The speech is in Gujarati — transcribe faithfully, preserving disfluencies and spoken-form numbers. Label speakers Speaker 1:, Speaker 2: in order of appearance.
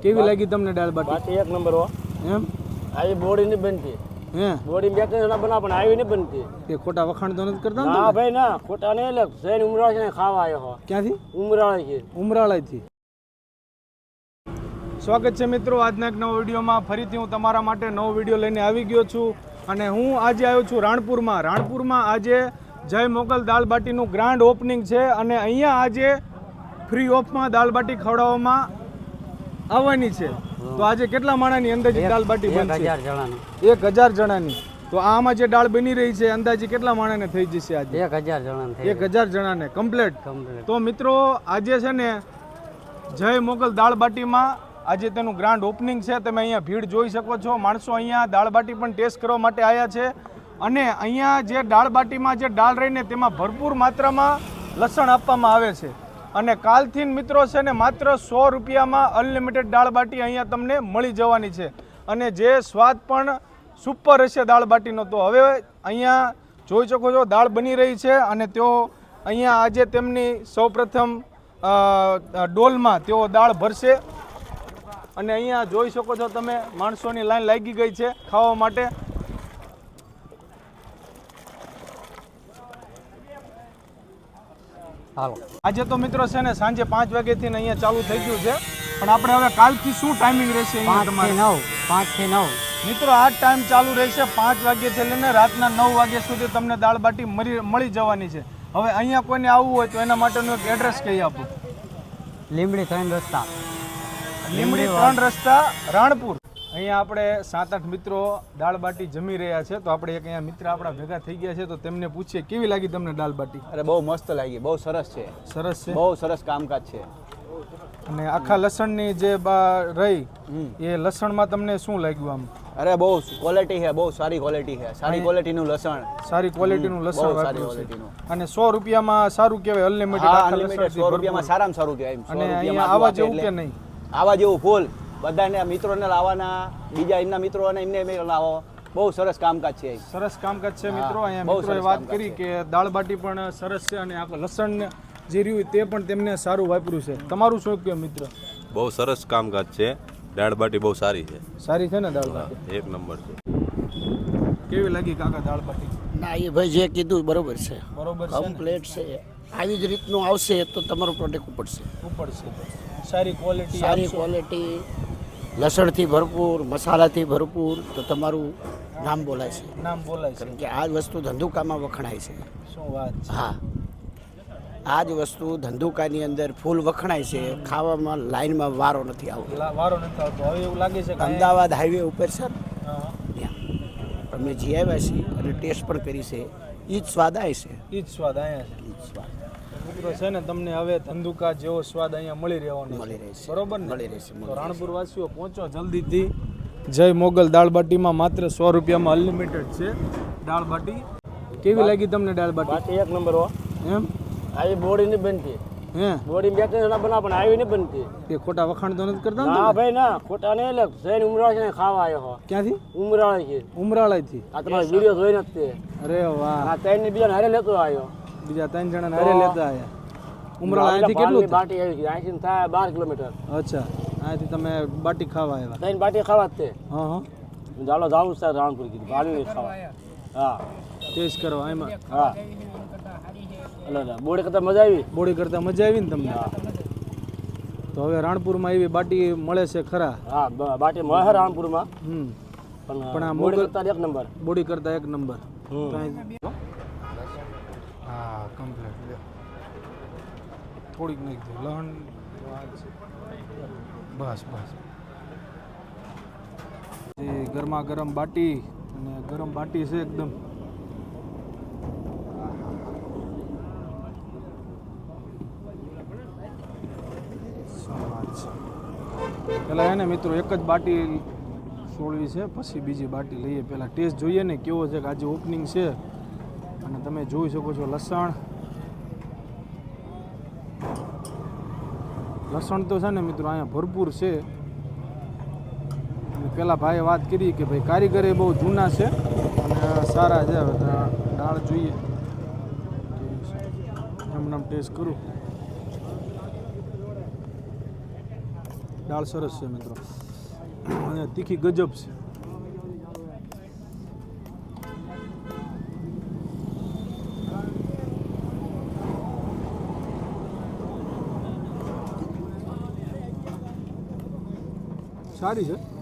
Speaker 1: કેવી લાગી તમને દાળ બાટી?
Speaker 2: બાટી એક નંબર હો.
Speaker 1: એમ
Speaker 2: આવી બોડી નહીં બનતી.
Speaker 1: હે
Speaker 2: બોડી બે ત્રણ જણા બનાવ પણ આવી નહીં બનતી.
Speaker 1: એ ખોટા વખાણ તો નથી કરતા ને
Speaker 2: ના
Speaker 1: તમે?
Speaker 2: ભાઈ ના ખોટા નહીં એટલે જૈન ઉમરાળ છે ખાવા આવ્યો હો.
Speaker 1: ક્યાંથી?
Speaker 2: ઉમરાળ છે.
Speaker 1: ઉમરાળાથી. સ્વાગત છે મિત્રો આજના એક નવા વિડીયોમાં. ફરીથી હું તમારા માટે નવો વિડીયો લઈને આવી ગયો છું અને હું આજે આવ્યો છું રાણપુરમાં. રાણપુરમાં આજે જય મોગલ દાળ બાટીનું ગ્રાન્ડ ઓપનિંગ છે અને અહીંયા આજે ફ્રી ઓફમાં દાળ બાટી ખવડાવવામાં આવવાની છે. તો આજે કેટલા માણાની અંદાજિત દાળ બાટી બનશે? એક હજાર જણાની. તો આમાં જે દાળ બની રહી છે અંદાજે કેટલા માણાને થઈ જશે આજે?
Speaker 2: એક હજાર જણા
Speaker 1: એક હજાર જણાને કમ્પ્લીટ. તો મિત્રો આજે છે ને જય મોગલ દાળ બાટીમાં આજે તેનું ગ્રાન્ડ ઓપનિંગ છે. તમે અહીંયા ભીડ જોઈ શકો છો. માણસો અહીંયા દાળ બાટી પણ ટેસ્ટ કરવા માટે આવ્યા છે અને અહીંયા જે દાળ બાટીમાં જે દાળ રહીને તેમાં ભરપૂર માત્રામાં લસણ આપવામાં આવે છે અને કાલથી મિત્રો છે ને માત્ર સો રૂપિયામાં અનલિમિટેડ દાળ બાટી અહીંયા તમને મળી જવાની છે અને જે સ્વાદ પણ સુપર હશે દાળ બાટીનો. તો હવે અહીંયા જોઈ શકો છો દાળ બની રહી છે અને તેઓ અહીંયા આજે તેમની સૌપ્રથમ ડોલમાં તેઓ દાળ ભરશે અને અહીંયા જોઈ શકો છો તમે માણસોની લાઈન લાગી ગઈ છે ખાવા માટે.
Speaker 2: હાલો
Speaker 1: આજે તો મિત્રો છે ને સાંજે પાંચ વાગ્યાથી અહીંયા ચાલુ થઈ ગયું છે પણ આપણે હવે કાલથી શું ટાઈમિંગ રહેશે અહીંયા તમારે?
Speaker 2: નવ પાંચ થી નવ
Speaker 1: મિત્રો આ ટાઈમ ચાલુ રહેશે પાંચ વાગ્યાથી લઈને રાતના નવ વાગ્યા સુધી તમને દાળ બાટી મળી મળી જવાની છે. હવે અહીંયા કોઈને આવવું હોય તો એના માટેનું એક એડ્રેસ કહી આપો.
Speaker 2: લીમડી ત્રણ રસ્તા
Speaker 1: લીમડી ત્રણ રસ્તા રાણપુર. અહીંયા આપણે સાત આઠ મિત્રો દાળ બાટી જમી રહ્યા છે તો આપણે એક અહીંયા મિત્ર આપણા ભેગા થઈ ગયા છે તો તેમને પૂછીએ કેવી લાગી તમને દાળ બાટી?
Speaker 3: અરે બહુ મસ્ત લાગી, બહુ સરસ છે.
Speaker 1: સરસ છે,
Speaker 3: બહુ સરસ કામકાજ છે.
Speaker 1: અને આખા લસણની જે રહી એ લસણમાં તમને શું લાગ્યું આમ?
Speaker 3: અરે બહુ ક્વોલિટી છે, બહુ સારી ક્વોલિટી છે. સારી ક્વોલિટીનું લસણ,
Speaker 1: સારી ક્વોલિટીનું લસણ
Speaker 3: બહુ સારી
Speaker 1: વાપર્યું છે
Speaker 3: ક્વોલિટીનું.
Speaker 1: અને સો રૂપિયામાં સારું કહેવાય અનલિમિટેડ.
Speaker 3: હા,
Speaker 1: આખા
Speaker 3: અનલિમિટેડ
Speaker 1: લસણથી
Speaker 3: સો રૂપિયામાં સારામાં સારું કહેવાય. એમ સો
Speaker 1: અને અહીંયા
Speaker 3: રૂપિયામાં
Speaker 1: આવા
Speaker 3: આપે
Speaker 1: જેવું કે
Speaker 3: એટલે
Speaker 1: નહીં?
Speaker 3: આવા જેવું ફૂલ બધાને મિત્રોને લાવવાના, બીજા એમના મિત્રો અને એમને એમને લાવો. બહુ સરસ કામકાજ છે.
Speaker 1: સરસ કામકાજ છે મિત્રો. અહીંયા
Speaker 3: બહુ
Speaker 1: મિત્રોએ
Speaker 3: સરસ
Speaker 1: વાત
Speaker 3: કામકાજ
Speaker 1: કરી
Speaker 3: છે.
Speaker 1: કે દાળ બાટી પણ સરસ છે અને આખું લસણ જે રહ્યું તે પણ તેમને સારું વાપર્યું છે. તમારું શું કહે મિત્ર?
Speaker 4: બહુ સરસ કામકાજ છે. દાળ બાટી બહુ સારી છે.
Speaker 1: સારી છે ને દાળ બાટી?
Speaker 4: એક નંબર છે.
Speaker 1: કેવી લાગી કાકા દાળ બાટી?
Speaker 5: ના એ ભાઈ જે કીધું બરોબર છે,
Speaker 1: બરોબર છે ને?
Speaker 5: કમ્પ્લેટ છે. આવી જ રીતનું આવશે તો તમારું પ્રોડક્ટ ઉપડશે.
Speaker 1: ઉપડશે. સારી ક્વોલિટી,
Speaker 5: સારી ક્વોલિટી, લસણથી ભરપૂર, મસાલાથી ભરપૂર, તો તમારું નામ બોલાય છે.
Speaker 1: નામ બોલાય છે.
Speaker 5: કારણ કે આ જ વસ્તુ ધંધુકામાં વખણાય છે.
Speaker 1: શું વાત છે?
Speaker 5: હા, આ જ વસ્તુ ધંધુકાની અંદર ફૂલ વખણાય છે. ખાવામાં લાઈનમાં વારો નથી આવતો.
Speaker 1: લા- વારો નથી આવતો. હવે એવું લાગે છે કે
Speaker 5: અમદાવાદ હાઈવે ઉપર છે ને,
Speaker 1: હા,
Speaker 5: ત્યાં અમે જી આવ્યા છીએ અને ટેસ્ટ પણ કરી છે. એ જ સ્વાદ આવે છે.
Speaker 1: ઈ જ સ્વાદ અહીંયા છે.
Speaker 5: એ જ સ્વાદ
Speaker 1: મિત્રો છે ને તમને હવે ધંધુકા જેવો સ્વાદ અહીંયા મળી રહેવાનો છે.
Speaker 5: મળી રહેશે.
Speaker 1: બરોબર ને?
Speaker 5: મળી રહેશે, મળી
Speaker 1: તો
Speaker 5: રહેશે.
Speaker 1: રાણપુર વાસીઓ પહોંચો જલ્દીથી. જય મોગલ દાળ બાટીમાં માત્ર સો રૂપિયામાં અનલિમિટેડ છે દાળ બાટી. કેવી લાગી તમને દાળ બાટી?
Speaker 2: બાટી એક નંબર હો.
Speaker 1: એમ
Speaker 2: આવી બોડી નહીં બનતી.
Speaker 1: હે
Speaker 2: બોડી બે ત્રણ જણા બનાવ પણ આવી નહીં બનતી.
Speaker 1: એ ખોટા વખાણ તો નથી કરતા ને
Speaker 2: ના
Speaker 1: તમે?
Speaker 2: ભાઈ ના ખોટા નહીં એટલે જૈન ઉમરાળ છે ખાવા આવ્યો હો.
Speaker 1: ક્યાંથી?
Speaker 2: ઉમરાળ છે.
Speaker 1: ઉમરાળાથી.
Speaker 2: આ તમારો વિડીયો જોઈ નથી.
Speaker 1: અરે વાહ,
Speaker 2: આ ત્રણ ને બીજા હારે લેતો આવ્યો.
Speaker 1: બીજા ત્રણ જણા હારે લેતા આયા. ઉમરાળા અહીંથી કેટલું થાય?
Speaker 2: બાટી આવી છે અહીંથી થાય બાર કિલોમીટર.
Speaker 1: અચ્છા, અહીંથી તમે બાટી ખાવા આવ્યા?
Speaker 2: ત્રણ બાટી ખાવા જ તે.
Speaker 1: હા હા,
Speaker 2: ચાલો જાવું છે રાણપુર કીધું ભાવી ખાવા. હા
Speaker 1: ટેસ્ટ કરવા એમાં.
Speaker 2: હા એટલે બોડી કરતા મજા આવી.
Speaker 1: બોડી કરતા મજા આવી ને તમને? તો હવે રાણપુરમાં એવી બાટી મળે છે ખરા?
Speaker 2: હા બ- બાટી મળે છે રાણપુરમાં
Speaker 1: હમ
Speaker 2: પણ
Speaker 1: પણ આ
Speaker 2: બોડી
Speaker 1: મોગલ-
Speaker 2: કરતા એક નંબર.
Speaker 1: બોડી કરતા એક નંબર.
Speaker 2: હમ.
Speaker 1: હા કમ્પ્લીટ. થોડીક નાખી દો લહણ. બસ બસ. એ ગરમા ગરમ બાટી અને ગરમ બાટી છે એકદમ. શું વાત છે. પેલા એને મિત્રો એક જ બાટી છોડવી છે પછી બીજી બાટી લઈએ. પહેલાં ટેસ્ટ જોઈએ ને કેવો છે કે આજે ઓપનિંગ છે અને તમે જોઈ શકો છો લસણ લસણ તો છે ને મિત્રો અહીંયા ભરપૂર છે. અને પેલા ભાઈએ વાત કરી કે ભાઈ કારીગર બહુ જૂના છે અને સારા છે. હવે દાળ જોઈએ એમ નામ ટેસ્ટ કરું. દાળ સરસ છે મિત્રો અને તીખી ગજબ છે. સારી છે.